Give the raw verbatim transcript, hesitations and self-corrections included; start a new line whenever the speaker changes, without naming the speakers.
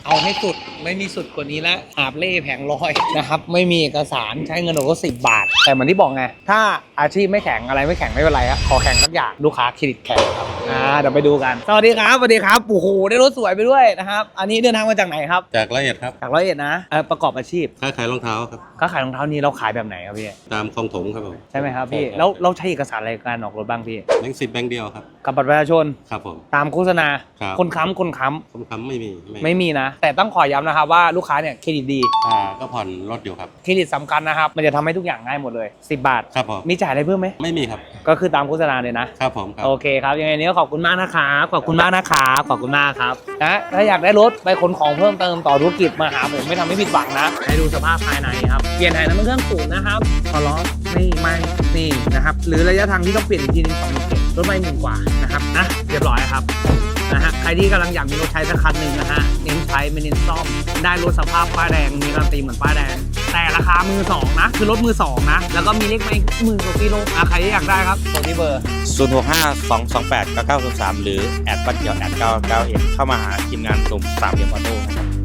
เอาให้สุดไม่มีสุดกว่านี้แล้วหาบเล่แผงลอยนะครับไม่มีเอกสารใช้เงินโอนก็สิบบาท แต่เหมือนที่บอกไงถ้าอาชีพไม่แข็งอะไรไม่แข็งไม่เป็นไรครับขอแข็งสักอย่างลูกค้าเครดิตแข็งครับอ่าเดี๋ยวไปดูกันสวัสดีครับสวัสดีครับโอ้โหได้รถสวยไปด้วยนะครับอันนี้เดินทางมาจากไหนครับ
จากละเอียดครับ
จากร้อยเอ็ดนะเอ่อประกอบอาชีพ
ค้าขายรองเท้าครับ
ค้าขายรองเท้านี้เราขายแบบไหนครับพี่
ตามคลองถมครับผม
ใช่ไหมครับพี่แล้วเราใช้เอกสารอะไรการออกรถบ้างพี่
แบงค์สิบแบงค์เดียวครับ
กับบัตรประชาชน
ครับผม
ตามโฆษณา
ครับ
คนค้ำคนค้ำ
คนค้ำไม่มี
ไม่มีนะแต่ต้องขอย้ำนะครับว่าลูกค้าเนี่ยเครดิตดี
อ่าก็ผ่อนรถอยู่ครับ
เครดิตสำคัญนะครับมันจะทำให้ทุกอย่างง่ายหมดเลยสิบบาท
ครับผม
มีจ่ายอะไรเพิ่มไหม
ไม่มีครับ
ก็คือตามโฆษณาเลยนะครับ
ผมครับ
โอเคครับยังไงนี้ก็ขอบคุณมากนะครับขอบคุณมากนะครับขอบคุณมากครับนะถ้าอยากได้รถไปขนของเพิ่มเติมต่อธุรกิจมาหาผมไม่ทำให้ผิดหวังนะให้ดูสภาพภายในครับเปลี่ยนถ่ายน้ำมันเครื่องสูบนะครับพอล้อนี่ไม่นี่นะครับหรือระยะทางที่ต้องเปลี่ยนอีกทีนึงสองหมื่นเจ็ดรถไม่หมื่นกว่านะครับนะเรียบร้อยครับนะฮะใครที่กำลังอยากมีรถใช้สักคันหนึ่งนะฮะเน้นใช้ไม่เน้นซ่อมได้รถสภาพป้ายแดงมีการันตีเหมือนป้ายแดงแต่ราคามือสองนะคือรถมือสองนะแล้วก็มีเลขไม่หมื่นกว่ากิโลอ่ะใครที่อยากได้ครับโทรที่เบอร์
ศูนย์ หก ห้า สอง สอง แปด เก้า เก้า ศูนย์ สามหรือแอดบัตรเดียวแอดเก้าเก้าเอ็ดเข้ามาหาทีมงานกลุ่มสามเหลี่ยมออโต้นะครับ